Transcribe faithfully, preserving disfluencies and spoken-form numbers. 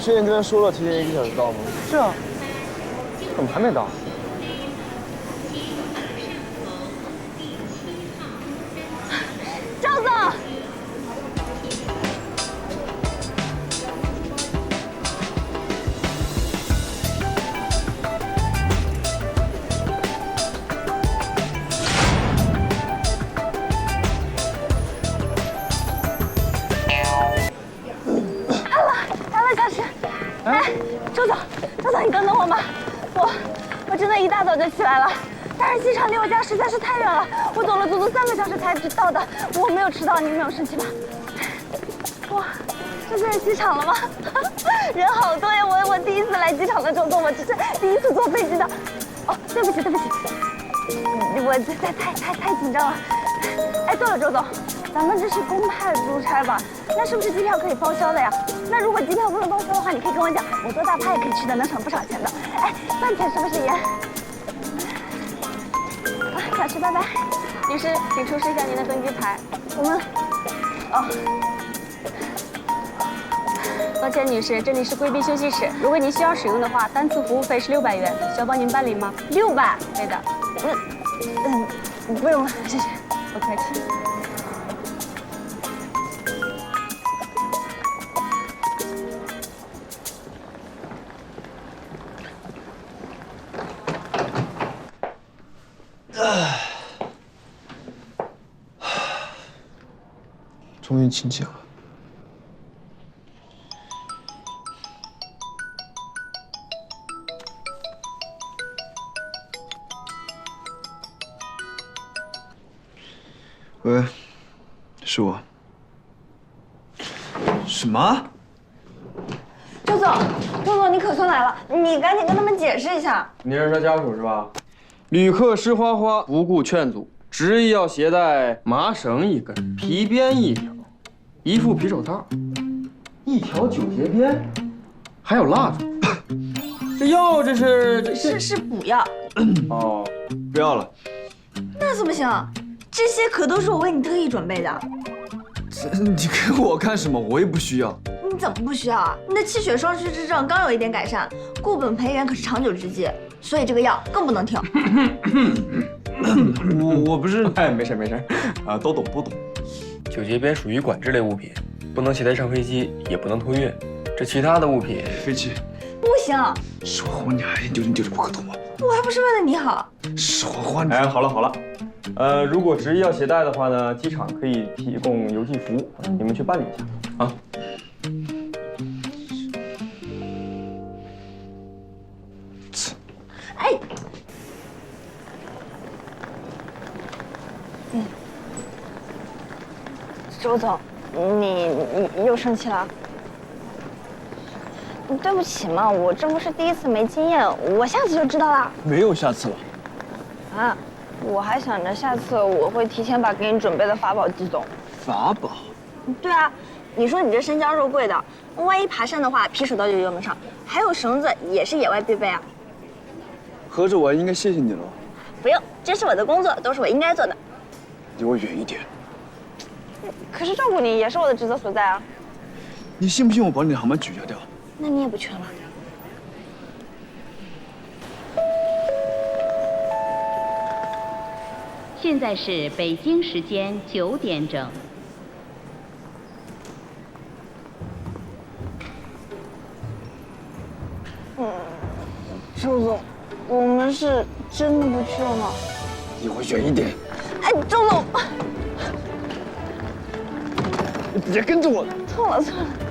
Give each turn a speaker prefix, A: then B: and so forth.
A: 之前跟他说了提前一个小时到吗？
B: 是啊，怎么还没到？
C: 赵总。 哎，周总，周总，你等等我吧，我我真的一大早就起来了，但是机场离我家实在是太远了，我走了足足三个小时才到的，我没有迟到，你没有生气吧？哇，这就是机场了吗？人好多呀，我我第一次来机场的，周总，我这是第一次坐飞机的。哦，对不起对不起，我这太太太太紧张了。哎，对了，周总。 咱们这是公派出差吧？那是不是机票可以报销的呀？那如果机票不能报销的话，你可以跟我讲，我坐大巴也可以去的，能省不少钱的。哎，饭钱是不是也？啊，小徐，拜拜。女士，请出示一下您的登机牌。我们，哦，抱歉，女士，这里是贵宾休息室。如果您需要使用的话，单次服务费是六百元，需要帮您办理吗？六百，对的。嗯嗯，不用了，谢谢。不客气。
A: 终于清醒了。喂，是我。什么？
C: 周总，周总，你可算来了，你赶紧跟他们解释一下。
B: 你是他家属是吧？旅客施花花不顾劝阻，执意要携带麻绳一根、皮鞭一条、一副皮手套、一条九节鞭，还有蜡烛。这药这是这
C: 是是补药。
B: 哦，
A: 不要了。
C: 那怎么行？这些可都是我为你特意准备的。
A: 这你给我干什么？我也不需要。
C: 你怎么不需要啊？你的气血双虚之症刚有一点改善，固本培元可是长久之计，所以这个药更不能停。
A: 我我不是，
B: 哎，没事没事，
A: 啊，都懂都懂。
D: 九节鞭属于管制类物品，不能携带上飞机，也不能托运。这其他的物品，
A: 飞机。
C: 不行，
A: 是花花，你还研究研究这不可懂吗？
C: 我还不是为了你好。
A: 是花花，你
B: 哎，好了好了，呃，如果执意要携带的话呢，机场可以提供邮寄服务，你们去办理一下啊。
C: 哎，嗯，周总，你你又生气了？对不起嘛，我这不是第一次没经验，我下次就知道了。
A: 没有下次了。
C: 啊，我还想着下次我会提前把给你准备的法宝寄走。
A: 法宝？
C: 对啊，你说你这身娇肉贵的，万一爬山的话，皮手刀就用得上，还有绳子也是野外必备啊。
A: 合着我还应该谢谢你了。
C: 不用，这是我的工作，都是我应该做的。
A: 离我远一点。
C: 可是照顾你也是我的职责所在啊。
A: 你信不信我把你的航班取消掉？
C: 那你也不缺了。
E: 现在是北京时间九点整。
C: 嗯，周总，我们是真的不去了吗？
A: 离我远一点！
C: 哎，周总，
A: 你别跟着我！
C: 错了错了。